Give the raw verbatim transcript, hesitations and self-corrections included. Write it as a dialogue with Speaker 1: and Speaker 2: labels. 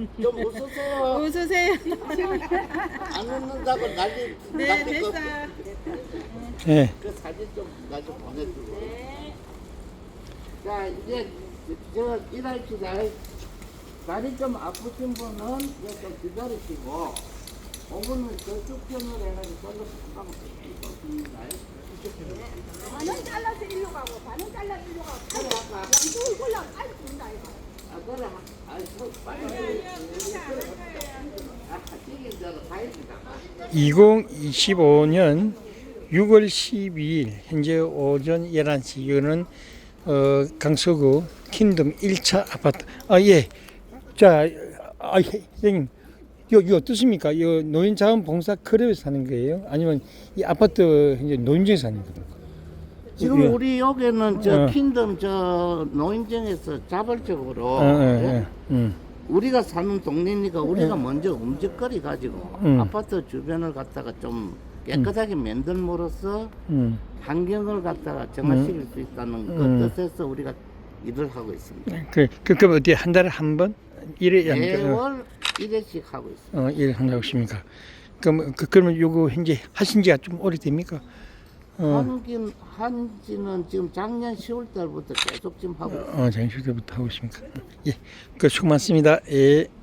Speaker 1: 좀 웃으세요.
Speaker 2: 웃으세요.
Speaker 1: 안 웃는다고 난리
Speaker 2: 네,
Speaker 1: 났을
Speaker 2: 됐어.
Speaker 1: 거.
Speaker 3: 예.
Speaker 1: 그 사진 좀 나중에 보내주고. 자, 이제 저 일할시다. 다리 좀 아프신 분은 이제 좀 기다리시고 오 분은 저쪽 편으로 해가지고 저쪽 금방 있습니다.
Speaker 4: 반은 잘라서 일로 가고 반은 잘라서 일로 가고 양쪽을 골라 빨리 준다 이거.
Speaker 1: 아, 그래. 아, 저 빨리. 아, 지금 저 가입니다.
Speaker 3: 이천이십오 년 유월 십이일 현재 오전 열한 시 이거는 어, 강서구 킹덤 일 차 아파트. 아, 예. 자, 아, 예, 선생님. 여기 어떻습니까? 이 노인자원봉사 클럽에서 사는 거예요? 아니면 이 아파트 현재 노인정에서 사는 겁니까?
Speaker 1: 지금
Speaker 3: 예.
Speaker 1: 우리 여기는 저
Speaker 3: 어.
Speaker 1: 킹덤 저 노인정에서 자발적으로
Speaker 3: 어, 어,
Speaker 1: 예?
Speaker 3: 어, 음.
Speaker 1: 우리가 사는 동네니까 우리가
Speaker 3: 음.
Speaker 1: 먼저 움직거리 가지고
Speaker 3: 음.
Speaker 1: 아파트 주변을 갖다가 좀 깨끗하게 만들므로써
Speaker 3: 음.
Speaker 1: 환경을 갖다가 정화시킬 수 있다는
Speaker 3: 음.
Speaker 1: 그 뜻에서 우리가 일을 하고 있습니다.
Speaker 3: 그, 그, 그럼 어디 한 달에 한 번? 일회
Speaker 1: 매월 일 회씩 하고 있습니다.
Speaker 3: 어, 일 한다고 하십니까? 그럼, 그, 그러면 요거 현재 하신 지가 좀 오래됩니까? 어,
Speaker 1: 한긴 한지는 지금 작년 시월 달부터 계속 지금 하고 있습니다.
Speaker 3: 어, 장시대부터 하고 있습니까? 예. 그 수고 많습니다. 예.